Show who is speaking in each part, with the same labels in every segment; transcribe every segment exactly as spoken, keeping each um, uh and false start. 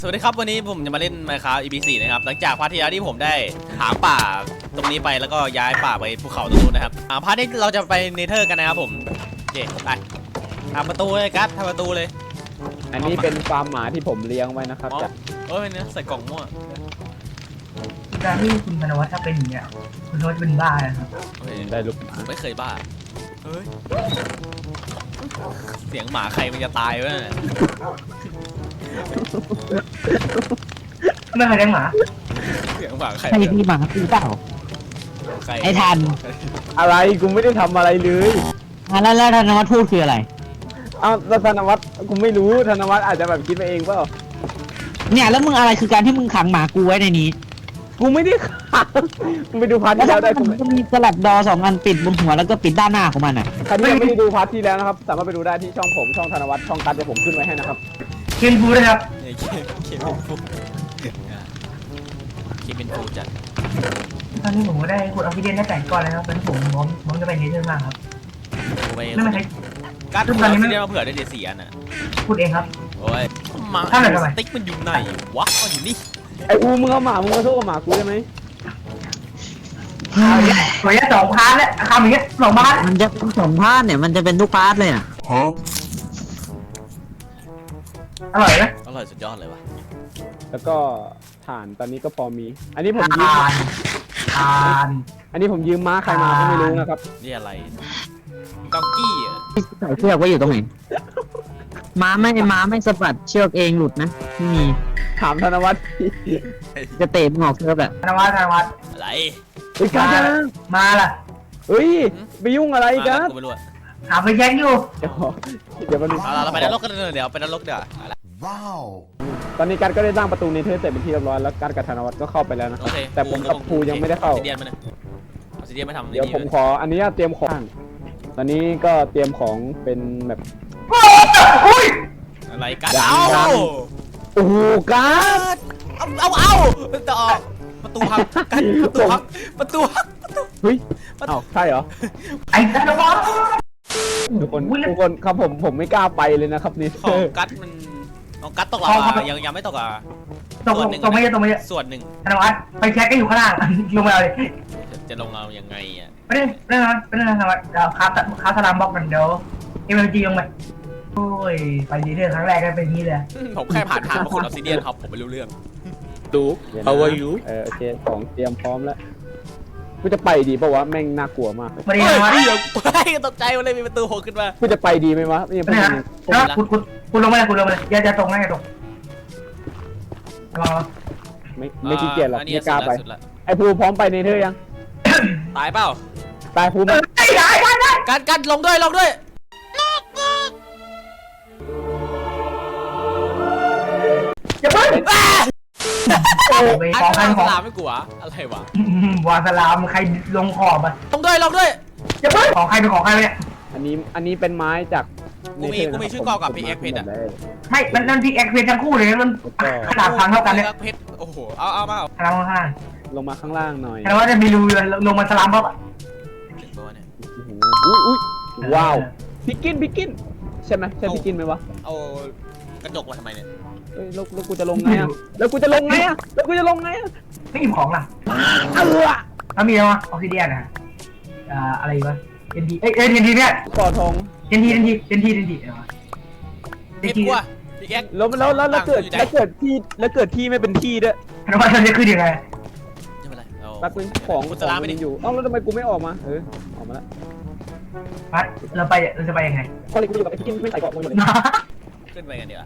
Speaker 1: สวัสดีครับวันนี้ผมจะมาเล่น Minecraft อี พี สี่นะครับหลังจากพาร์ทที่แล้วที่ผมได้หาป่าตรงนี้ไปแล้วก็ย้ายป่าไปภูเขาตรงนู้นนะครับอ่าพาร์ทนี้เราจะไปเนเธอร์กันนะครับผมเย่ไปทำประตูเลยกัสทำประตูเลย
Speaker 2: อันนี้เป็นฟาร์มหมาที่ผมเลี้ยงไว้นะครับจะ
Speaker 1: เอ้ยเนี่ยใส่กล่องมั่ว
Speaker 3: การที่คุณธนวัฒน์ถ้าเป็นอย่างเงี้ยคุณธนวัฒน์เป็นบ้านะครับ
Speaker 2: ได้ลูกหมา
Speaker 1: ไม่เคยบ้าเฮ้ยเสียงหมาใครมันจะตายวะเนี่ย
Speaker 3: ไม่เคยเลี้ยงหมา
Speaker 1: เสียงหมาใคร
Speaker 4: ใครมีหมาคือเปล่าไอ้ทัน
Speaker 2: อะไรกูไม่ได้ทำอะไรเลย
Speaker 4: แล้วแล้วธนวัฒน์พูดคืออะไร
Speaker 2: อ้าวธนวัฒน์กูไม่รู้ธนวัฒน์อาจจะแบบคิดไปเองเปล่า
Speaker 4: เนี่ยแล้วมึงอะไรคือการที่มึงขังหมากูไว้ในนี้
Speaker 2: กูไม่ได้ขังมึงไปดูพาร์ทที่แล้วได้กู
Speaker 4: จะมีสลับดอสองอันปิดบนหัวแล้วก็ปิดด้านหน้าของมันอ่ะ
Speaker 2: ใครที่ยังไม่ได้ดูพาร์ทที่แล้วนะครับสามารถไปดูได้ที่ช่องผมช่องธนวัฒน์ช่องกัดจะผมขึ้นไว้ให้นะครับ
Speaker 3: เคนฟูนะครับ
Speaker 1: เคเคเป็นฟูเคเป็นฟูจัด
Speaker 3: ตอนนี้ผมก็ได้ขุดออกซิเจนได้แปดก้อนแล้วครับเป็นผมมองมองจะไปเนเธอร์มากครับไม่ไม่ใช่
Speaker 1: การขุดออกซิเจนมาเผื่อได้เดี๋ยวเสียน่ะ
Speaker 3: ขุดเองครับ
Speaker 1: โอ้ยหมาสติ๊กมันอยู่ไหนวะมันอยู่นี่
Speaker 2: ไอ้อูมึงเอาหมามึงมาสู้กับหมากูได้ไหม
Speaker 3: สวยสองพาร์ทแล้วคำอย่างเงี้ยสองพาร์ท
Speaker 4: มันจะเป็นสองพาร์ทเนี่ยมันจะเป็นทุกพาร์ทเลยอ่ะ
Speaker 3: อร่อยไหม
Speaker 1: อร่อยสุดยอดเลยวะ
Speaker 2: แล้วก็ถ่านตอนนี้ก็พอมีอันนี้ผมยืม
Speaker 3: ถ่าน
Speaker 2: อันนี้ผมยืมม้าใครมาก็ไม่รู้นะครับ
Speaker 1: นี่อะไรดองกี้อ่ะ
Speaker 4: ใส่เชือกไว้อยู่ตรงไหนม้าไม่ม้าไม่สะบัดเชือกเองหลุดนะไม่มี
Speaker 2: ถามธนวัฒน์
Speaker 4: จะเตะมึงออกเชือกแบบ
Speaker 3: ธนวัฒน์ธนวัฒน์
Speaker 1: อะไร
Speaker 2: ไอ้กัด
Speaker 3: มาล่ะ
Speaker 2: เฮ้ยไปยุ่งอะไรกัน
Speaker 3: หาไปแย่งอยู่
Speaker 2: เดี๋ยวเดี๋ยวมัน
Speaker 1: เราไปนรกกันเดี๋ยวไปนรกเดี๋ยว
Speaker 2: ว้าวตอนนี้กัดก็ได้สร้างประตูเนเธอร์เสร็จเป็นที่เรียบร้อยแล้วกัดกับธนวัฒน์ก็เข้าไปแล้วนะแต่ผมกับภูยังไม่ได้เข้า
Speaker 1: ซีเดียนมาเนี่ยซีเดียนไม่ทำ
Speaker 2: เดี๋ยวผมขออันนี้เตรียมของตอนนี้ก็เตรียมของเป็นแบบ
Speaker 1: อะไรกันเอา
Speaker 2: โอ้โหกัด
Speaker 1: เอาเอาเอาต่อประตูพังกันประตูพังประตูพัง
Speaker 2: เฮ้ยเอ้าใช่เหรอ
Speaker 3: ไอ้ธนวัฒน์
Speaker 2: ทุกคนทุกคนครับผมผมไม่กล้าไปเลยนะครับนี่
Speaker 1: ของกัดมันของกัดตกลาวายังยังไม่ตกอ่ะ
Speaker 3: ตกตกไม่เยอะตกไม่เยอะ
Speaker 1: ส่วนหนึ่ง
Speaker 3: ธนวัฒน์ไปแช็คก็อยู่ข้างล่างลงมาเลย
Speaker 1: จะลงเอายังไงอ่ะ
Speaker 3: ไม่ได้ไม่ได้ไม่ได้ธนวัฒน์เราคาสคาสลามบล็อกกันเดี๋ยวเอ็มเอลจีลงไปโอ้ยไปดีเทอร์ครั้งแรกก็เป็นนี้เลย
Speaker 1: ผมแค่ผ่านทางมาขุดออกซิเดียนครับผมไม่รู้เรื่อง
Speaker 2: ดู How are you เออโอเคของเตรียมพร้อมแล้วกูจะไปดีป่าวะแม่งน่ากลัวมาก
Speaker 3: ไม่ได้
Speaker 1: ไม่เดี๋ยวไปตกใจเลยมีประตูโผล่ขึ้นมา
Speaker 2: กูจะไปดีไหมวะ
Speaker 3: ไม่นะคุณคุณคุณลงมาเลยคุณลงมาเลยอย่าอย่าตรงนะอย่าตรงรอ
Speaker 2: ไม่ไม่ขี้เกียจหรอกไม่กล้าไปไอ้ภูพร้อมไปเนเธอร์ยัง
Speaker 1: ตายเปล่า
Speaker 2: ตายภูมิ
Speaker 3: ได้ได้ได้
Speaker 1: กันกันลงด้วยลงด้วย
Speaker 3: อย่าเพิ่ง
Speaker 1: ไอ้ของของสลามไม่กลัวอะไรวะ
Speaker 3: วาสลามใครลงขอบอ่ะ
Speaker 1: ลงด้วยลงด้วย
Speaker 3: อย่าเพิ่งของใครเป็นของใครเนี่ย
Speaker 2: อันนี้อันนี้เป็นไม้จาก
Speaker 1: กูมีกูมีชื่อกอกับพีเอ็กเพชรอ่ะ
Speaker 3: ไม่มันนั่นพีเอ็กเพชรทั้งคู่เลยมันขนาดพังเท่ากันเนี่ย
Speaker 1: เพชรโอ้โหเอาเอามา
Speaker 3: ข้างล่าง
Speaker 2: ลงมาข้างล่างหน่อย
Speaker 3: แต่ว่าจะมีรูลงมาสลามบ๊อบอ่ะ
Speaker 2: อุ้ยอุ้ยว้าวพิกกินพิกกินใช่ไหมใช่พิกกินไหมวะ
Speaker 1: เอากระจกมาทำไมเนี่ย
Speaker 2: เฮ้ยแล้วกูจะลงไงอ่ะแล้วกูจะลงไงอ่ะแล้วกูจะลงไงอ่ะ
Speaker 3: ไม่อิ่มของล่ะ
Speaker 2: เออ
Speaker 3: ถ้ามีอะไรออกซิเดียนนะอ่าอะไรวะเอ็นทีเอ้ยเอ็นทีเนี่ย
Speaker 2: ก่อทอง
Speaker 3: เอ็นทีเอ็นทีเอ็นทีเอ็นทีเออ
Speaker 1: เอ็นทีว่ะพี่แก๊ก
Speaker 2: แล้วแล้วแล้วเกิดแล้วเกิดที่แล้วเกิดที่ไม่เป็นที่ด้วย
Speaker 3: แล้วว่าจะขึ้นยังไง
Speaker 2: แป๊บนึงของ
Speaker 1: กูจะลาไม่ได้
Speaker 2: อยู่เอ้าแล้วทำไมกูไม่ออกมาเออออกมาแล้ว
Speaker 3: พัดเราไปเราจะไปยังไง
Speaker 2: พอเลยกูอยู่กับไอ้พี่กินไม่ใส่เกาะมึงหมดเลย
Speaker 1: ขึ้นไปกันเดี๋ยว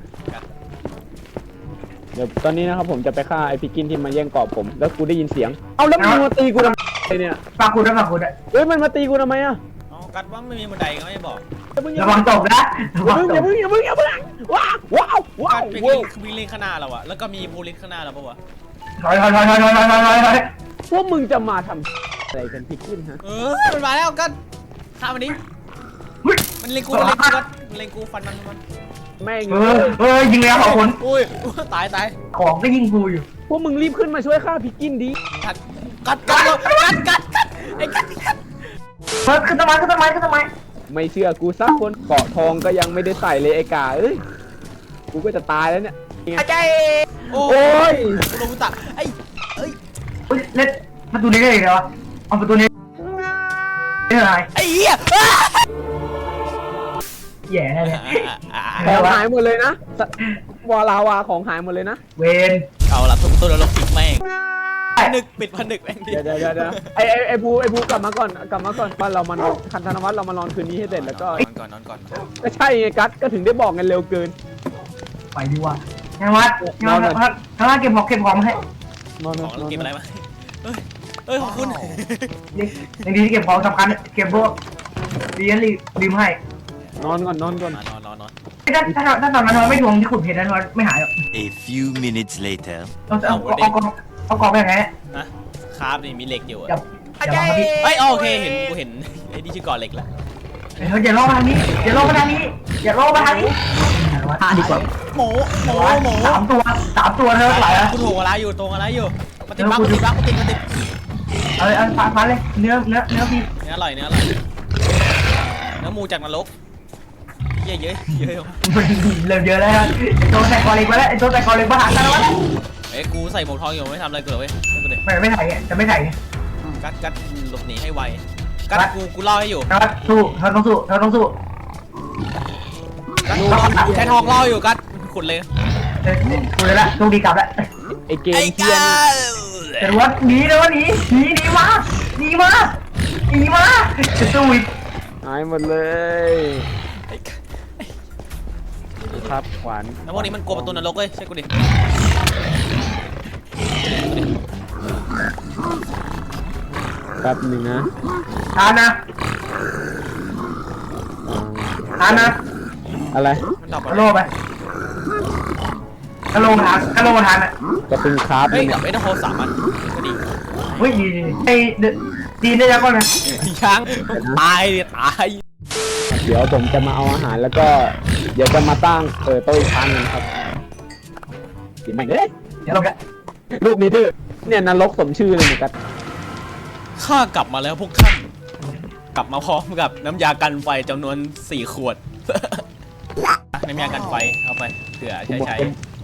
Speaker 2: เดี๋ยวตอนนี้นะครับผมจะไปฆ่าไอ้พิกกินที่มาแย่งเกาะผมแล้วกูได้ยินเสียงเอาแล้วมันมาตีกูทำไมเนี่ย
Speaker 3: ฝากกูด้วยฝากกูด้วย
Speaker 2: เฮ้ยมันมาตีกูทำไมอ่ะ
Speaker 1: อ๋อกัดว่าไม่มีบันไดก็ไม่บอก
Speaker 3: ระวังตกนะ
Speaker 2: อย่าเพิ่งอย่าเพิ่งอย่าเพิ่งว้าวว้าวว้าว
Speaker 1: วิ่งวิ่งลิงข้างหน้าเราอะแล้วก็มีโพลิสข้างหน้าเราปะวะ
Speaker 3: ถอยถอยถอยถอยถอยถอยถอยถอย
Speaker 2: พวกมึงจะมาทำอะไรกันพิกกินฮะ
Speaker 1: เออมันมาแล้วกันฆ่ามันนี้มันเล็งกูมันเล็งกูมันเล็งกูฟันมันมัน
Speaker 2: แม่ง
Speaker 3: เออเออยิงแล้วขอบคุณ
Speaker 1: อุ้ยตายตาย
Speaker 3: ของก็ยิงกูอยู่
Speaker 2: พวกมึงรีบขึ้นมาช่วยฆ่าพิกกินดิ
Speaker 1: กัดกัดกัดกัดกัดกัดไอ้กัดกัด
Speaker 3: เฮ้ยขึ้นต้นไม้ขึ้นต้นไม้ขึ้นต้นไม้
Speaker 2: ไม่เชื่อกูสักคนเกาะทองก็ยังไม่ได้ใส่เลยไอ้กาเอ้ยกูก็จะตายแล้วเนี่ย
Speaker 1: อาจารย์โอ้
Speaker 2: โอ้ย
Speaker 1: ลงตักไอ้เอ้ย
Speaker 3: เฮ้ยเล่นประตูนี้ได้เหรอเอาประตูนี้ได้ไร
Speaker 1: ไอ้เหี้ย
Speaker 3: แย่เลย
Speaker 2: ของหายหมดเลยนะวาลาวาของหายหมดเลยนะ
Speaker 3: เวน
Speaker 1: เอาละทุกตัวเราปิดแม่งผนึกปิดผนึกแม่งดิ
Speaker 2: เดี๋ยวเดี๋ยวเดี๋ยวเดี๋ยวไอไอไอบูไอบูกลับมาก่อนกลับมาก่อนว่าเรามานอนคันธนวัฒน์เรามานอนคืนนี้ให้เสร็จแล้วก็
Speaker 1: นอนก่อนนอนก่อน
Speaker 2: ก็ใช่ไงกัสก็ถึงได้บอกกันเร็วเกิน
Speaker 3: ไปดีกว่ายังวัดยังวัดยังวัดเก็บของเก็บของให้
Speaker 2: นอน
Speaker 1: ของเราเก็บอะไรมาเฮ้ยเฮ้ยของคุณ
Speaker 3: นี่ยังดีที่เก็บของสำคัญเก็บพวกดีรีรีมให้
Speaker 2: นอนก่อนนอนก่อน
Speaker 1: นอนนอนนอน
Speaker 3: ถ้าถ้าถ้าตอนนั้นเราไม่ทวงที่ขุดเพชรนั้นไม่หายหรอก
Speaker 5: A few minutes later.
Speaker 3: เอาเอาเอากองเอากองไปยังไงเนี่ย
Speaker 1: นะคราฟนี่มีเหล็กอยู่
Speaker 3: อย่า
Speaker 1: อะ
Speaker 3: อย่าลองมาพี่
Speaker 1: เฮ้ยโอเคเห็นกูเห็นไอ้นี่ชื่อก่อเหล็กแล้ว
Speaker 3: อย่าลองมาทางนี้อย่าลองมาทางนี้อย่าลองมาทางนี้
Speaker 4: อ่ะดีกว่า
Speaker 1: หมูหมูหมู
Speaker 3: สามตัวสามตัวเท่าไหร่อะ
Speaker 1: กูถูกอะไรอยู่ตรงอะไรอยู่มาติดบั๊กมาติดบั๊กมาติดมาติด
Speaker 3: เอาเลยเอาฟันฟันเลยเนื้อเนื้อเนื้อพี่
Speaker 1: เนื้ออร่อยเนื้ออร่อยเนื้อหมูจากนรกเยอะเยอะเยอะ
Speaker 3: เริ่มเยอะแล้วไอ้ตัวใส่คอเล็กมาแล้วไอ้ตัวใส่คอเล็กมาหากันแล้ววะ
Speaker 1: เอ้ยกูใส่หมวกทองอยู่ไม่ทำอะไรกูเลยเว้ยกูเด็
Speaker 3: ไม่ไม่ถ่ายจะไม่ถ่าย
Speaker 1: กัดกัดหลบหนีให้ไวกัดกูกูล่อให้อยู่
Speaker 3: นะครับสู้เราต้องสู้เราต้องสู้
Speaker 1: ใช้ทองล่ออยู่กัดขุดเลย
Speaker 3: เออคุยแล้วโชคดีกลับแล้ว
Speaker 2: ไอเกม
Speaker 1: ไอ้
Speaker 2: เทีย
Speaker 1: กั
Speaker 2: น
Speaker 1: ด
Speaker 3: แต่ว่าหนีนะว่าหนีหนีหนีมาหนีมาหนีมาจะสู้อีก
Speaker 2: หายหมดเลยครับขวาน
Speaker 1: แล้วพวกนี้มันกลัวประตูนรกเว้ยใช่กูดิ
Speaker 2: แป๊บหนึ่งนะ
Speaker 3: ทานนะทานนะ
Speaker 2: อะไร
Speaker 1: มันตอบ
Speaker 3: กระโลไปกระโลทานกระโลทานอ่ะ
Speaker 2: กระตุ้นคราฟ
Speaker 1: เฮ้ย
Speaker 2: เนี่ย
Speaker 1: กับไอ้ทองสามอันก็ดี
Speaker 3: เฮ้ยไอ้ดีได้ยังก่อนนะ
Speaker 1: ช้างตายดิตาย
Speaker 2: เดี๋ยวผมจะมาเอาอาหารแล้วก็เดี๋ยวจะมาตั้งเออโต๊ะอีกครั้งนึงครับกินแม่งเอ้ย
Speaker 3: เดี๋ยวลงกัน
Speaker 2: รูปนี้ดื้อเนี่ยนรกสมชื่อเลยเหมือนกัน
Speaker 1: ข้ากลับมาแล้วพวกท่านกลับมาพร้อมกับน้ำยากันไฟจำนวนสี่ขวด น้ำยากันไฟเอาไปเผื่อใช้ใช้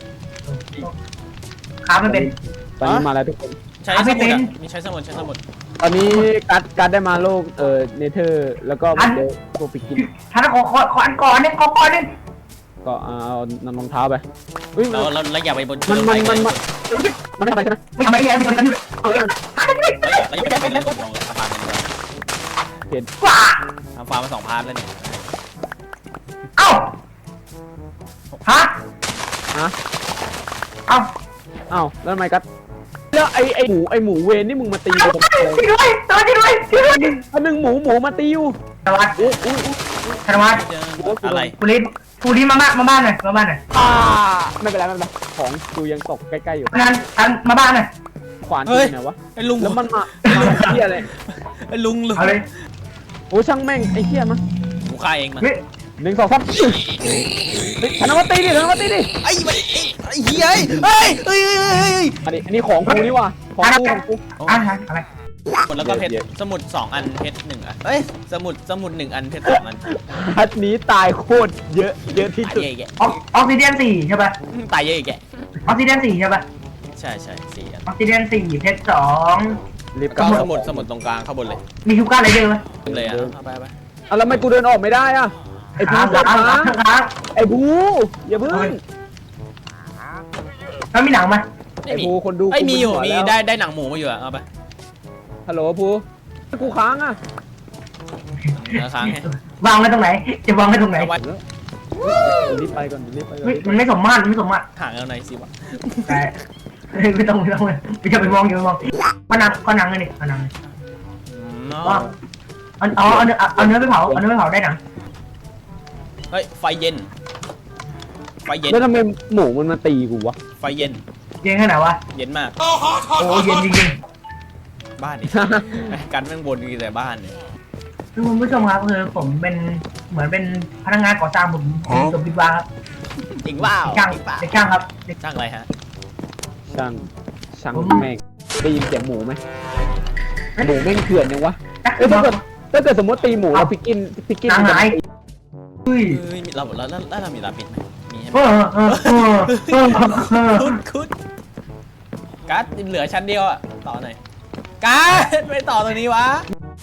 Speaker 3: ขาไม่เป็น
Speaker 2: ตอนนี้มาแล้วทุกคน
Speaker 1: ใช้สมุดอ่ะมีใช้สมุดใช้สมุด
Speaker 2: ตอนนี้กัดกัดได้มาโลกเอ่อเนเธอร์แล้วก็เดี๋ยวพวกปิกิน
Speaker 3: ท่านขอขอขออันก่อนเนี่ยขอก่อนเนี่ย
Speaker 2: ก็เอานำรองเท้าไปอุ้ย
Speaker 1: เราเราเราอย่าไปบน
Speaker 2: มันมันมันมันมันไม่ทำอะไรใช่ไหม
Speaker 3: ไม่ทำอะไรไม่ทำอะไร
Speaker 2: เอาเลย
Speaker 1: เราอย่าไปบนลงสะพานกัน
Speaker 2: เห็น
Speaker 3: ว้า
Speaker 1: ทำฟาร์มมาสองพาร์ทแล้วเนี่ย
Speaker 3: เอ้าฮะ
Speaker 2: ฮะ
Speaker 3: เอ้า
Speaker 2: อ้าวแล้วทำไมกัดแล้วไอไอหมูไอหมูเวนนี่มึงมาตีกูทำไม
Speaker 3: ช่วยด้วยช่วยด้วยช่วยด้วย
Speaker 2: อันหนึ่งหมูหมูมาตีอยู่
Speaker 3: ธนวัฒน์
Speaker 2: อุ้ยอุ้ย
Speaker 3: ธนวัฒน์
Speaker 1: อะไร
Speaker 3: กูรีบกูรีบมาบ้านมาบ้านหน่อยมาบ้านหน่อย
Speaker 2: อ่าไม่เป็นไรไม่เป็นไรของกูยังตกใกล้ๆอยู่
Speaker 3: งานทันมาบ้านหน่อย
Speaker 2: ขวานกูไหนวะ
Speaker 1: ไอ้ลุง
Speaker 2: แล้วมันมาเฮียอะไร
Speaker 1: ไอ้ลุงลุง
Speaker 3: เอาเลย
Speaker 2: โอ้ช่างแม่งไอ้เฮียมา
Speaker 1: กูฆ่าเองมา
Speaker 3: เฮ้ย
Speaker 2: หนึ่งสองสามธนวัฒน์ตีดิธนวัฒน์ตีดิ
Speaker 1: ไอ้มันไอ้เหี้ยเฮ้ยเฮ้ยเฮ้ยเฮ้ย
Speaker 2: อันนี้อันนี้ของกูนี่ว่ะของกูของกู
Speaker 3: อ่ะอะไร
Speaker 1: หมดแล้วก็เพชรสมุดสองอันเพชรหนึ่งอันเอ้ยสมุดสมุดหนึ่งอันเพชรสองอัน
Speaker 2: พัดนี้ตายโคตรเยอะเยอะที่
Speaker 1: ตาย
Speaker 2: สุด
Speaker 1: เยอะแก
Speaker 3: ออกซิเดียนสี่ใช่ป่ะ
Speaker 1: ตายเยอะแก
Speaker 3: ออกซิเดียนสี่ใช่ป่ะ
Speaker 1: ใช่ใช่สี่อัน
Speaker 3: ออกซิเดียนสี่เพชรสอง
Speaker 2: รีบ
Speaker 1: ก็สมุดสมุดตรงกลางข้างบนเลย
Speaker 3: มีทุกก้านอะไรเยอะไหม
Speaker 1: เลยอ่ะเอาไปเอาไป
Speaker 2: เอาแล้วทำไมกูเดินออกไม่ได้อะไอ้บู
Speaker 3: ค้าง
Speaker 2: เดิน
Speaker 3: ค้าง
Speaker 2: ค้าง
Speaker 3: ค้าง
Speaker 2: ไอ้บูอย่าเพิ่ง
Speaker 3: แล้วมีหนังไหม
Speaker 1: ไม่
Speaker 2: ไอ้
Speaker 1: มี
Speaker 2: บูคนดู
Speaker 1: ไอ้ยมีอยู่
Speaker 2: กู
Speaker 1: มี
Speaker 2: เป็นหัวแล้ว
Speaker 1: ได้ได้หนังหมูมาอยู่อ่ะเอาไป
Speaker 2: ฮัลโหลบูกูค้างอะ
Speaker 1: เนื้อค้างให้
Speaker 3: วางไว้ตรงไหน จะวางไว้ตรงไหน
Speaker 1: เอาไว้
Speaker 2: รีบไปก่อนรีบไปก่อน
Speaker 3: เฮ้ยมันไม่สมมาตรไม่สมมาตร
Speaker 1: ห่างกันหน่อยสิวะ
Speaker 3: แต่ไม่ต้องไม่ต้องเลยไม่จะไปมองอย่าไปมองก็นังก็นังเลยนี่ก็นังเลย
Speaker 1: เนาะ
Speaker 3: ว่าเอาเอาเอาเนื้อเอาเนื้อไปเผาเอาเนื้อไปเผาได้หนัง
Speaker 1: เฮ้ยไฟเย็นไฟเย็น
Speaker 2: แล้วทำไมหมูมันมาตีกูวะ
Speaker 1: ไฟเย็น
Speaker 3: เย็นแค่ไหนวะ
Speaker 1: เย็นมาก
Speaker 3: โอ้เย็นจริง
Speaker 1: บ้านนี่ กันแม่งบนอยู่แต่บ้านเนี่ย
Speaker 3: ๆคือคุณผู้ชมครับคือผมเป็นเหมือนเป็นพนักงานก่อสร้างผมสมบิดวาครับ
Speaker 1: จริงเปล่า
Speaker 3: ช่าง
Speaker 1: จริงเปล่า
Speaker 3: เด็กช่างครับเด็ก
Speaker 1: ช่างอะไรฮะ
Speaker 2: ช่างช่างแม่งได้ยินเสียงหมูไหมหมูแม่งเถื่อนยังวะ
Speaker 3: นัก
Speaker 2: เอ้ยถ้าเกิดถ้าเกิดสมมติตีหมูแล้วพิกกินพิกกิน
Speaker 3: นาง
Speaker 2: มันจะ
Speaker 3: หาย
Speaker 2: ตี
Speaker 3: เฮ้ย
Speaker 1: เฮ้ยเราเราแล้วเรามีลาปิดไหมมีใช่ไหม
Speaker 3: เออเออเออเออเออ
Speaker 1: คุดคุดการ์ดเหลือชั้นเดียวอะต่อหน่อยการ์ดไม่ต่อตรงนี้วะ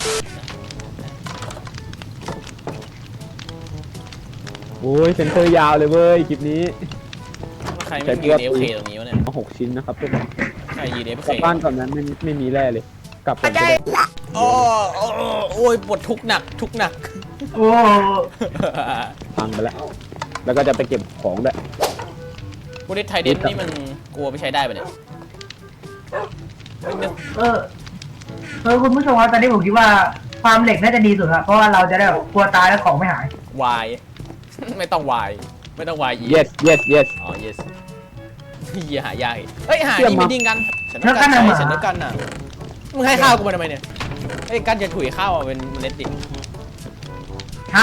Speaker 2: โอ้ยเซนเตอร์ยาวเลยเว้ยคลิปนี้
Speaker 1: ใครไม่ยืนเอฟเคตรงนี้วะเนี่ย
Speaker 2: มาหกชิ้นนะครับทุกคน
Speaker 1: ใครยืนเอฟ
Speaker 2: ก
Speaker 1: เค
Speaker 2: ลับบ้านก่อนนั้นไม่ไม่มีแร่เลย กลับก่อนก็ได้
Speaker 1: โอ้โอ้โอ้ยปวดทุกหนักทุกหนัก
Speaker 3: โอ้
Speaker 2: พังไปแล้ว แล้วก็จะไปเก็บของด้วย
Speaker 1: บูริสไทเดนนี่มันกลัวไม่ใช้ได้ปะเนี่ยเฮ้ยเนี่ย
Speaker 3: เออเออคุณผู้ชมครับตอนนี้ผมคิดว่าความเหล็กน่าจะดีสุดครับเพราะว่าเราจะได้แบบกลัวตายแล้วของไม่หาย
Speaker 1: วาย ไม่ต้องวายไม่ต้องวายอี
Speaker 2: yes yes yes
Speaker 1: อ๋อ yes เฮียหายากอีกเฮ้ยหานี่ไม่ดิ้งกันฉันต้องการ
Speaker 3: แล้วกัน
Speaker 1: ใช้
Speaker 3: น่ะ
Speaker 1: ฉันต้องการน่ะมึงให้ข้าวกูมาทำไมเนี่ยเฮ้ยกันจะถุยข้าวอ่ะเป็นเมล็ดดิ
Speaker 3: ฮะ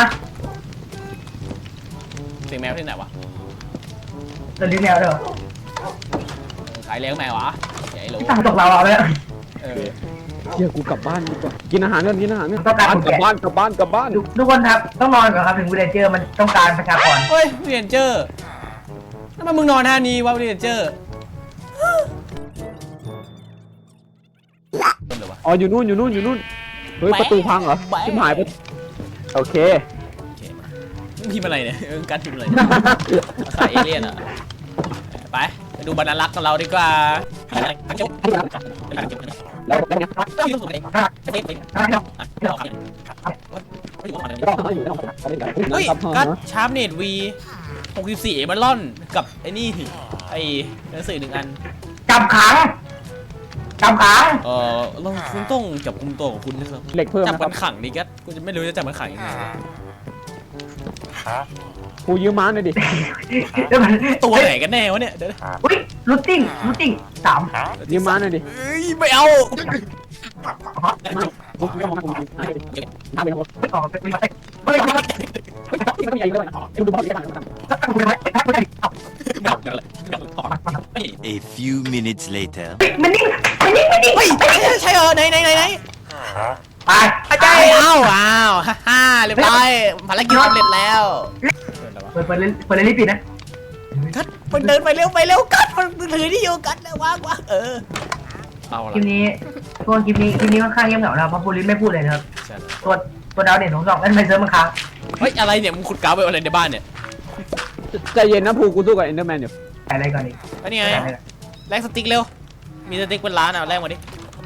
Speaker 1: เสียงแมวที่ไหนวะ
Speaker 3: ตัวลิ้นแมวเด้อ
Speaker 1: ขายเลี้ยงแมววะไอ้โหล
Speaker 3: ที่ทำตกเราเอาเลย
Speaker 1: เออ
Speaker 2: เดี๋ยวกูกลับบ้านดีกว่า กินอาหารก่อนกินอาหารก่อน
Speaker 3: ต้องการคน
Speaker 2: กลับ
Speaker 3: แก่
Speaker 2: บ้านกลับบ้านกลับบ้าน
Speaker 3: ทุกคนครับต้องนอนก่อนครับถึงวิลเลเจอร์มันต้องการประชากร
Speaker 1: เฮ้ยเรียนเจอร์ทำไมมึงนอนท่านี้วะเรียนเจอร์ต้นเลยวะ
Speaker 2: อ๋ออยู่นู่นอยู่นู่นอยู่นู่น เฮ้ยประตูพังเหรอ
Speaker 1: แบะ
Speaker 2: ชิบหายไปโอเค
Speaker 1: โอเคมามึงพิมพ์อะไรเนี่ยเออการพิมพ์อะไรสายเอเลี่ยนอ่ะไปไปดูบรรลักษ์ของเราดีกว่า
Speaker 2: แล้วได้ไง
Speaker 1: เฮ้ยกัดชาร์ปเนตวีหกสิบสี่เอเมอรอนกับไอ้นี่ไอ้หนังสือหนึ่งอัน
Speaker 3: จับขังจับขัง
Speaker 1: เออเราคุณต้องจับกุมตัวของคุณนะครับ
Speaker 2: เหล็กเพิ่ม
Speaker 1: จับ
Speaker 2: นะค
Speaker 1: มั
Speaker 2: รับ
Speaker 1: นขังดิกัดกูจะไม่รู้จะจับมันขังยังไง
Speaker 2: กูยืมม้าหน่อยดิ
Speaker 3: เดี๋ยวมัน
Speaker 1: ตัวไหนกันแน่วะเนี่ยเดี๋ยว
Speaker 3: อุ้ยรูทติ้งรูทติ้งสาม
Speaker 2: ยืมม้าหน่อยดิ
Speaker 1: เอ้ยไม่เอา
Speaker 2: กูไม่มองกูน้ำไปทั้งหมด
Speaker 3: ไม่ออกไม่ได้ไม่ได้
Speaker 2: ที่มันมีอะไรด้วยดูดูบอลกัน
Speaker 3: ไม่ได้ไม่ได้
Speaker 5: A few minutes later.
Speaker 3: มันนิ่งมันนิ่งมันนิ่ง
Speaker 1: เฮ้ยใช่เหรอไหนไหนไหนไหน
Speaker 3: ไป
Speaker 1: อาจารย์อ้าวอ้าวฮ่าฮ่าเรียบร้อยภารกิจสำเร็จแล้ว
Speaker 3: เปิดเปิดเลยเปิดเลยรีบปิดนะ
Speaker 1: กัดมันเดินไปเร็วไปเร็วกัดมันถือที่อยู่กัดแล้ววางวางเออเอา
Speaker 3: คลิ
Speaker 1: ละ
Speaker 3: ปนี้พวกคลิปนี้คลิปนี้ค่อนข้างเงียบเหงานะเพราะบูลิสไม่พูดเลยนะครับตัวตัวดาวเด่นของสองนั่นไม่เซิร์ฟมันค้าง
Speaker 1: เฮ้ยอะไรเนี่ยมึงขุดกาวไปอะไรในบ้านเนี่ย
Speaker 2: ใจเย็นนะภูกูสู้กับเอนเดอร์แมนอยู่
Speaker 3: อะไรก่อนดิ
Speaker 1: อันนี้ไงแลกสติ๊กเร็วมีสติ๊กเป็นล้านอ่ะแลกมาดิ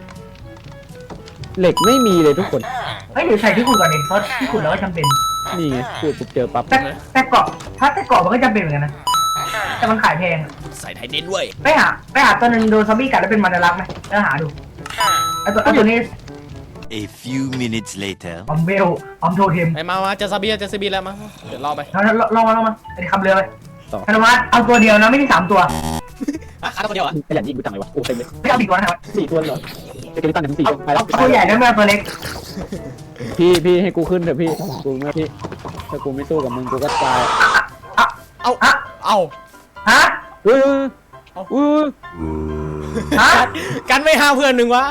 Speaker 2: เหล็กไม่มีเลยทุกคน
Speaker 3: เฮ้ยเดี๋ยวใส่ที่ขุดก่อนดิเพราะที่ขุดเราก็จำเป็น
Speaker 2: นี่ไงพูดปุ๊บเจอปั๊บ
Speaker 3: แต่แต่เกาะถ้าแต่เกาะมันก็จำเป็นเหมือนกันนะแต่มันขายแพง
Speaker 1: ใส่ไทเดนด้วย
Speaker 3: ไปหาไปหาตัวหนึ่งโดนซอมบี้กัดแล้วเป็นมันรักไหมแล้วหาดูไอตัวไอตัวนี้
Speaker 5: A few minutes later.
Speaker 3: ออมเวลออมโทเทม
Speaker 1: ไปมามาจะซาบีจะซาบีแล้วมาเดี๋ยวรอไป
Speaker 3: ลองลองมาลองมาไอ้คำเรือไปธนวัฒน์เอาตัวเดียวนะไม่ใช่สามตัว
Speaker 1: อ่ะขาตัวเดียวอ่ะ
Speaker 2: ขยันยิงกูจังเลยวะโอ้เต็มเลย
Speaker 3: ไม่เอาดีกว่านะครับ
Speaker 2: สี่ตัวเหรอเจะกินตันถึงสี่
Speaker 3: เอา
Speaker 2: ไปแล้ว
Speaker 3: เอาตัวใหญ่แล้วไม่เอาตัวเล็ก
Speaker 2: พี่พี่ให้กูขึ้นเถอะพี่กูไม่พี่ถ้ากูไม่สู้กับมึงกูก็ตาย
Speaker 1: เอาเอา
Speaker 3: ฮะ
Speaker 2: เออเออ
Speaker 3: ฮะ
Speaker 1: กันไม่ห้าเพื่อนหนึ่งวะ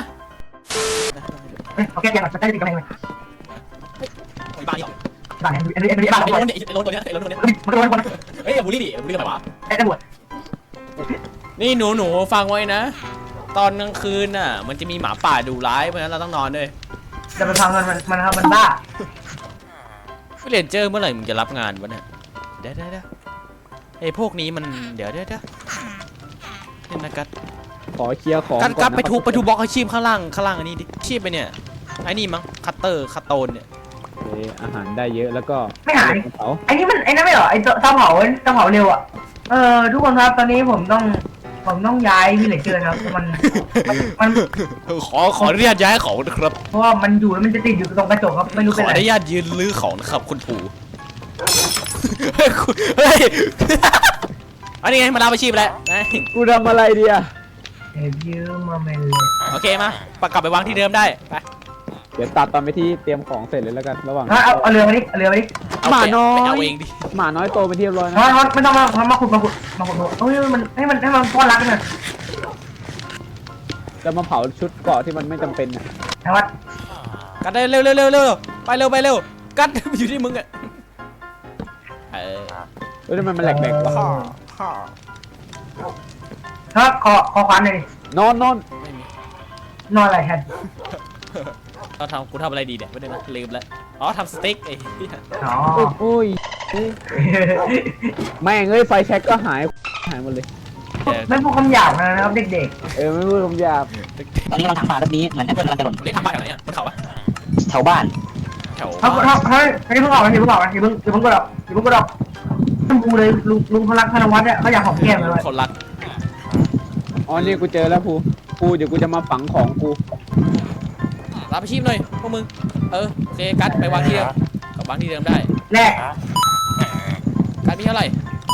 Speaker 3: โอเคยังจะได้ติดกำแพงเลย
Speaker 1: บ้านี่
Speaker 3: บ้านไหนอันนี้อันนี้บ้าน
Speaker 1: ไอ้
Speaker 3: ไหน
Speaker 1: โลนเนี่ยไอ้โลนตัวเนี้ยไอ้โลนตัวเนี้ย
Speaker 3: มันโดนคน
Speaker 1: เฮ้ยอย่าบูลลี่ดิบูลลี่ทำไมวะ
Speaker 3: ไอ้ตำรวจ
Speaker 1: นี่หนูหนูฟังไว้นะ ตอนกลางคืนน่ะมันจะมีหมาป่าดุร้ายเพราะฉะนั้นเราต้องนอนด้วย
Speaker 3: จะไปพังมันมันมันมันบ้า
Speaker 1: เรียนเจอเมื่อไหร่มึงจะรับงานวะเนี่ยเดี๋ยวเดี๋ยวเดี๋ยวไอ้พวกนี้มันเดี๋ยวเดี๋ยวเดี๋ยวนี่นะกัด
Speaker 2: ขอเคลียร์ของ
Speaker 1: กัดกัด
Speaker 2: นะ
Speaker 1: ไปทุบไปทุบบล็อกอาชีพข้างล่างข้างล่างอันนี้ดิชีพไปเนี่ยไอ้นี่มั้งคัตเตอร์คัตโตนเนี่ย
Speaker 2: โอเคอาหารได้เยอะแล้วก็
Speaker 3: ไม่หาย
Speaker 2: เผา
Speaker 3: ไอ้นี่มันไอ้นั่นไม่เหรอไอ้เตาเผาเตาเผาเร็วอ่ะเออทุกคนครับตอนนี้ผมต้องผมต้องย้ายวิลเลจเจอร์ครับมันมัน
Speaker 1: ขอขออนุญาตย้ายของนะครับ
Speaker 3: เพราะว่ามันอยู่แล้วมันจะติดอยู่ตรงกระจกครับไม่รู้
Speaker 1: ข
Speaker 3: เป็น
Speaker 1: อ
Speaker 3: อะ
Speaker 1: อ
Speaker 3: ไร
Speaker 1: นุญาตยืนลื้อของนะครับคุณปู่เฮ้ยคุณเฮ้ยอันนี้ไงมาลาอาชีพแล้วนะ
Speaker 2: กูทำอะไรดีอะ
Speaker 3: เอฟยูมาเมนเลย
Speaker 1: โอเคมาปกลับไปวางที่เดิมได้ไป
Speaker 2: เดี๋ยวตัดตอนไปที่เตรียมของเสร็จเลยแล้วกันระหว่าง
Speaker 3: เอาเอาเอาเรือมาดิเอาเรือมาดิ
Speaker 1: เ
Speaker 2: หมาน้อย
Speaker 1: ไปเอาเองดิ
Speaker 2: หมาน้อยโตไปนที่เรียบร้อยนะ
Speaker 3: ฮอนฮอนไม่ต้องมามาขุดมาขุดมาขุดเฮ้ยมันให้มันให้มันป้อนรักกันหน่อย
Speaker 2: จะมาเผาชุดเกาะที่มันไม่จำเป็นน่ะ
Speaker 3: นะวัด
Speaker 1: กัดได้เร็วเร็วเร็วเร็วไปเร็วไปเร็วกัดอยู่ที่มึงอะเออ
Speaker 2: เฮ้ยทำไมมันแหลกๆวะ
Speaker 3: ถ้าคอคอควันเลย
Speaker 2: นอนนอน
Speaker 1: ไม่มี
Speaker 3: นอนอะไรแทน
Speaker 1: เราทำกูทำอะไรดีเนี่ยไม่ได้นะลืมแล้วอ๋อทำสเต็กไอ้เหี้ย
Speaker 3: อ๋อ
Speaker 2: โอ้ยแม่งเอ้ยไฟแช็กก็หายหายหมดเลย
Speaker 3: ไม่พูดคำหยาบนะครับเด็ก
Speaker 2: เออไม่พูดคำหยาบ
Speaker 4: ตอนนี้เราทำป่าแบบนี้เหมือนแอปเปิลกำลังจะหล่น
Speaker 1: เรียกทำบ้านแถวไหนอ่ะบนเขาปะ
Speaker 4: แถวบ้าน
Speaker 1: แถว
Speaker 3: ๆเขาเขาเขาเขาเพิ่งออกนะเพิ่งออกนะเพิ่งเพิ่งกดออกเพิ่งกดออกท่านภูเลยลุงลุงพลักธนวัฒน์เนี่ยเขาอยากหอมแก้มเลย
Speaker 1: คนรัก
Speaker 2: อ๋อนี่กูเจอแล้วภูภูเดี๋ยวกูจะมาฝังของกู
Speaker 1: รับอาชีพหน่อยพวกมึงเออโอเคกัดไปวางที่เดิมกลับวางที่เดิมได้
Speaker 3: แรก
Speaker 1: กัดมีเท่าไหร่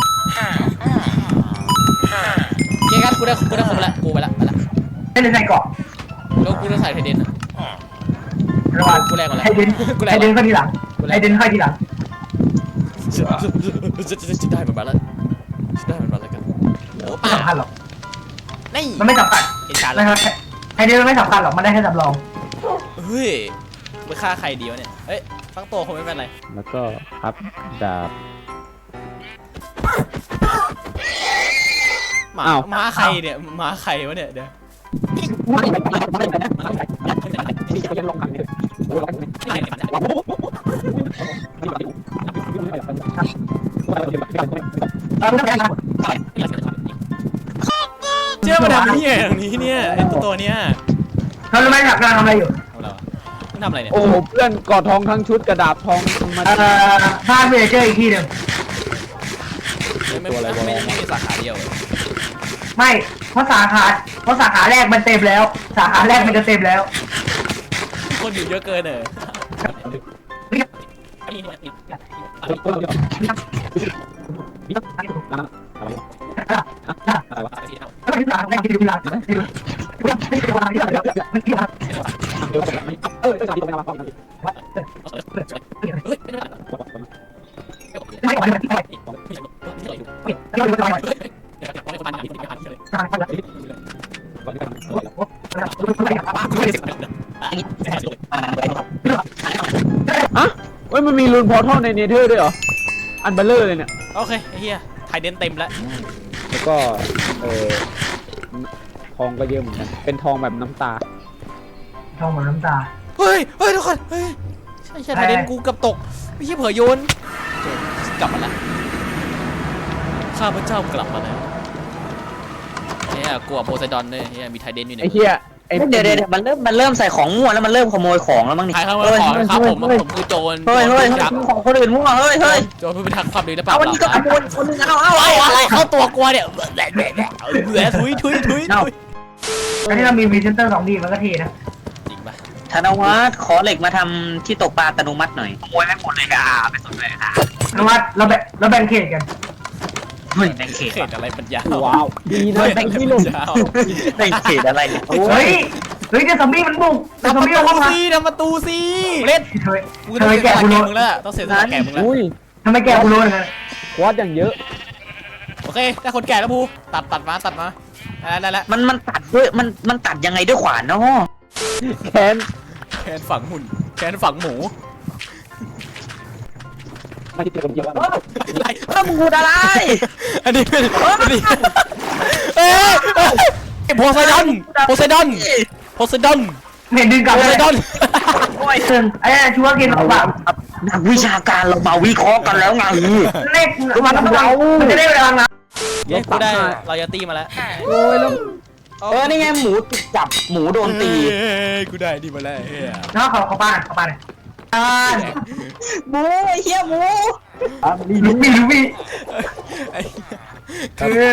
Speaker 1: โอเคกัดกูได้กูได้ครบแล้วกูไปละไปละ
Speaker 3: ให้เดินใส่เกาะ
Speaker 1: แล้วกูจะใส่ไทเดนอะ
Speaker 3: ระหว่าง
Speaker 1: กูแรงกว่าแล้ว
Speaker 3: ให้เดิน
Speaker 1: กูแรง
Speaker 3: ให้
Speaker 1: ก
Speaker 3: เดิน
Speaker 1: ว่า
Speaker 3: เข้าทีหลังให้เดินเข้าทีหลัง
Speaker 1: จะจะจะได้เหมือนมาแล้วจะได้เหมือนมาแล้วกันโอ้
Speaker 3: ไม่
Speaker 1: ป่า
Speaker 3: สำคัญหรอก
Speaker 1: นี่
Speaker 3: มันไม่สำคัญ
Speaker 1: เห็นการแล้
Speaker 3: นะ
Speaker 1: ว
Speaker 3: ครับให้เดินไม่สำคัญหรอกมันได้แค่สำรอง
Speaker 1: เฮ้ยไปฆ่าใครดีวะเนี่ยเอ้ยทั้งตัวคงไม่เป็นไร
Speaker 2: แล้วก็พับดาบ
Speaker 1: หมา
Speaker 2: อ้าว
Speaker 1: หมาใครเนี่ยหมาใครวะเนี่ยเดี๋ยว
Speaker 2: ยังลงขังเนี่ย
Speaker 1: เจ้ามาทำนี่อย่างนี้เนี่ยไอ้ตัวตัวเนี้ย
Speaker 3: เขารู้ไหมหลักการทำอะไรอยู่
Speaker 1: ทำอะไรวะมึงทำอะไรเนี่ย
Speaker 2: โอ้โหเพื่อนกอดทองทั้งชุดกระดาบทองมา
Speaker 3: เอ่อบ้านเวเจอร์อีกที่หนึ่ง
Speaker 1: ไม่ไม่ไม่ไม่ไม่มีสาขาเดียวเลย
Speaker 3: ไม่เพราะสาขาเพราะสาขาแรกมันเต็มแล้ว สาขาแรกมันจะเต็มแล้ว
Speaker 1: คนอยู่เยอะเกินเลย
Speaker 2: อ่ะเว้ยมันมีรูนพอร์ทัลในเนเธอร์ด้วยเหรออันเบลเลอร์เลยเนี่ย
Speaker 1: โอเคไอ้เฮียไทเดนเต็มแล้ว
Speaker 2: แล้วก็เออทองก็เยอะเหมือนกันเป็นทองแบบน้ำตา
Speaker 3: ทองเหมือนน้ำตา
Speaker 1: เฮ้ยเฮ้ยทุกคนเฮ้ยใช่ใช่ไทเดนกูกับตกไม่ใช่เผยโยนกลับมาแล้วข้าพเจ้ากลับมาแล้วเนี่ยกลัวโพไซดอนด้วยเนี่ยมีไทเดนอยู่ใน
Speaker 2: ไอ้เหี้ยไอ้
Speaker 4: เดี๋ยวเดี๋ยวมันเริ่มมันเริ่มใส่ของมั่วแล้วมันเริ่มขโมยของแล้วมั้งนี่
Speaker 1: ใครเข้ามาขอครับผมผมคือโจร
Speaker 4: เฮ้ยเฮ้ยเฮ้ยของคนอื่นมั่วเฮ้ยเฮ้ย
Speaker 1: โจรผู้พิทักษ์ความดีและปรา
Speaker 4: เอา
Speaker 1: บ
Speaker 4: วัน
Speaker 1: ปรา
Speaker 4: นี้ก็ข
Speaker 1: บ
Speaker 4: โมยคนนึงเอาเอา
Speaker 1: เอา
Speaker 4: เอา
Speaker 1: อะไรเข้าตัวกลัวเนี่ยแหละแหละแหละแหละทุยทุยทุยทุย
Speaker 3: อันนี้เรามีพรีเซนเตอร์สองดีมันก็เท่นะ
Speaker 1: จริงปะ
Speaker 4: ธนวัฒน์ขอเหล็กมาทำที่ตกปลาอัตโนมัติหน่อยขโมยไม่หมดเลยอ่ะไปสนเลยอ่ะ
Speaker 3: นวัดเราแบ่งเราแบ่งเขตกัน
Speaker 4: เฮ้ยแบ่งเขต
Speaker 1: เขตอะไรปัญญา
Speaker 2: ว้าวดีนะแบงค์ที่ลง
Speaker 4: แบ่งเขตอะไรเนี่ย
Speaker 3: เฮ้ยเฮ้ยเดี๋ยวซอมบี้มันบุกเดี๋ยวซ
Speaker 1: ทำ
Speaker 3: อ
Speaker 1: ป
Speaker 3: ม
Speaker 1: ระ
Speaker 3: บี้มัน
Speaker 1: ตู
Speaker 3: เข้ามา
Speaker 1: สิทำประตูสิเล่น
Speaker 3: เฮ้ย
Speaker 1: กู
Speaker 3: ทำไม
Speaker 1: ต้อง
Speaker 3: แกะ
Speaker 1: เสียส
Speaker 3: กู
Speaker 1: ละ
Speaker 3: รู้
Speaker 1: แกมึงแล้วต้องเสียสละแกมึงแล้ว
Speaker 2: อุ้ย
Speaker 3: ทำไมแกะกูรู้อย่างนั้น
Speaker 2: ควอดอย่างเยอะ
Speaker 1: โอเคได้คนแก่แล้วภูตัดตัดมาตัดมาได้แล้วได้แล้ว
Speaker 4: มันมันตัดด้วยมันมันตัดยังไงด้วยขวานเนาะ
Speaker 2: แคน
Speaker 1: แขนฝังหุ่นแขนฝังหมู
Speaker 2: ไม่ที่เจอคนเดียว
Speaker 1: อะไร
Speaker 4: เออมึงพูดอะไร
Speaker 1: อันนี้เป็นอันนี้เอ้ยโพไซดอนโพไซดอนโพไซดอน
Speaker 3: เห็นดึงกลับ
Speaker 1: โพ
Speaker 3: เล
Speaker 1: ไซ
Speaker 3: ย
Speaker 1: ดอน
Speaker 3: โอ้ยเชิงไอ้ชัวร์กินของแบบ
Speaker 4: นักวิชาการเรามาวิเคราะห์กันแล้วไง
Speaker 3: เลขมันต้องเรามันจะได้เวลานะ
Speaker 1: เย้กูได้รอยตี้มาแล้ว
Speaker 2: โอ้ยแล้ว
Speaker 4: เออนี่ไงหมูติดจับหมูโดนตี
Speaker 1: เอ้ยกูได้ดีมาแล้วเฮ้ย
Speaker 3: แล้วขอขอป้าขอป้าหน่อยอ่า
Speaker 4: หมูไอ้เหี้ยหมู
Speaker 3: ลูบี้ลูบี้
Speaker 1: ไอ้คือ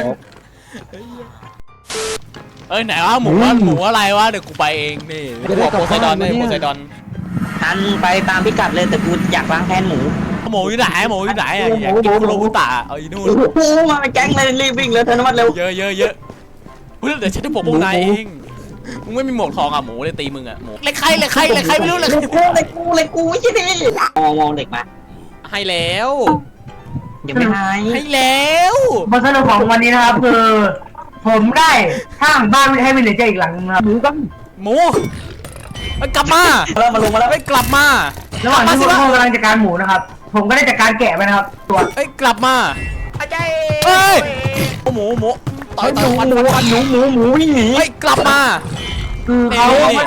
Speaker 1: เอ้ยไหนวะหมูวะหมูอะไรวะเดี๋ยวกูไปเองนี่กูบอกโพไซดอนนี่โพไซดอน
Speaker 4: ทันไปตามพิกัดเลยแต่กูอยากล้างแค้นหมู
Speaker 1: หมูอยู่ไหนหมูอยู่ไหนอ่ะอยากกินคุโรบุตะเอาอีนู่น
Speaker 4: หมูมาเป็นแก๊งเลยรีบวิ่งเลยธนวัฒน์เร็ว
Speaker 1: เยอะเยอะเยอะเฮ้ยเดี๋ยวฉันจะบอกพวกนายเองมึงไม่มีหมวกทองอ่ะหมูเลยตีมึงอ่ะหมูเล็กใครเล็กใครเล็กใครไม่รู้เลย
Speaker 4: เล็กกูเล็กกูเล็กกูไม่ใช่ดิมองมองเด็กมา
Speaker 1: ให้แล้ว
Speaker 4: เดี๋ยวไม่ให้
Speaker 1: ให้แล้ว
Speaker 3: บทสรุปของวันนี้นะครับคือผมได้สร้างบ้านให้วิลเลจเจอร์อีกหลังนึงครับ
Speaker 2: หมูก็
Speaker 1: หมูมันกลับมา
Speaker 4: เริ่มมาลงมาแล้ว
Speaker 1: ไม่กลับมา
Speaker 3: ระหว่างที่พวกเขากำลังจัดการหมูนะครับ ผมก็ได้จัดการแกะไปนะครับ ตัว
Speaker 1: เอ้ยกลับมาเฮ้ยหมูหมูต่อยต่อยฟันฟันฟัน
Speaker 4: หนูหมูหมูวิ่งหนี
Speaker 1: เฮ้ยกลับมา
Speaker 3: คือเขา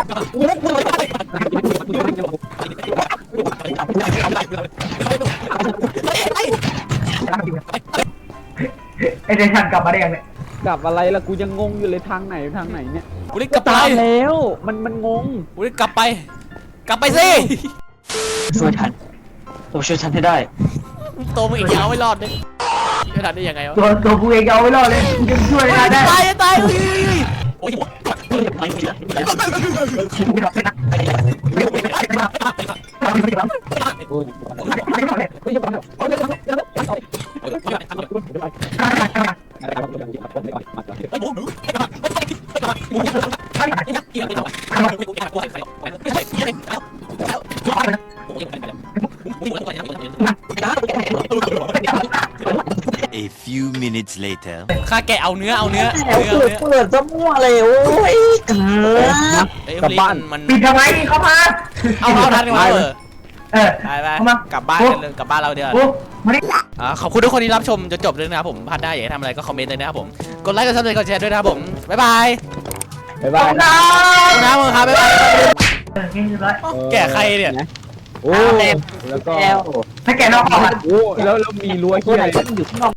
Speaker 3: ไอเดชันกลับมาได้ยังเนี่ย
Speaker 2: กลับอะไรล่ะกูยังงงอยู่เลยทางไหนทางไหนเนี่ย
Speaker 1: กูได้กลับไป
Speaker 2: ตามแล้วมันมันงง
Speaker 1: กูได้กลับไป กลับไปสิ
Speaker 4: ช่วยทันผมช่วยทันให้ได้
Speaker 1: ตัวมึงอีกยาวไม่รอดเลยไม่ทันได้ยังไงวะ
Speaker 3: ตัวตัวกูเองเอาไว้รอดเลยกูจะช่วยได้ได้
Speaker 1: ตายตายโอ้ย
Speaker 5: A few minutes later.
Speaker 1: ข้าแกะเอาเนื้อเอาเนื้อ
Speaker 4: แล้ว
Speaker 1: เนื้อ
Speaker 4: เปิดเปิดจะมั่วเลยโอ้ยเกิด
Speaker 1: เอ้ยมันมัน
Speaker 3: ปิดทำไมเข้ามา
Speaker 1: เอาเอาทันกันวะเออ
Speaker 3: เออ
Speaker 1: ไปไป
Speaker 3: เข้ามาก
Speaker 1: ลับบ้านกันเลยกลับบ้านเราเดี๋ยว
Speaker 3: โอ้มาดิ
Speaker 1: อ่าขอบคุณทุกคนที่รับชมจนจบเลยนะครับผมพลาดได้อยากให้ทำอะไรก็คอมเมนต์เลยนะครับผมกดไลค์กดซับสไครต์กดแชร์ด้วยนะครับผมบ๊ายบาย
Speaker 2: บ๊ายบาย
Speaker 3: น้
Speaker 1: ขอบคุณนะครับบ๊ายบาย
Speaker 3: เออเรียบร้อย
Speaker 1: แกะใครเนี่ย
Speaker 2: โอ้แล้วก็
Speaker 4: แล้ว
Speaker 3: ถ้าแกนอกออกอ่ะ
Speaker 2: โอ้แล้วแล้วมีรั้วเฮียอะไร
Speaker 4: อยู่ข้างนอก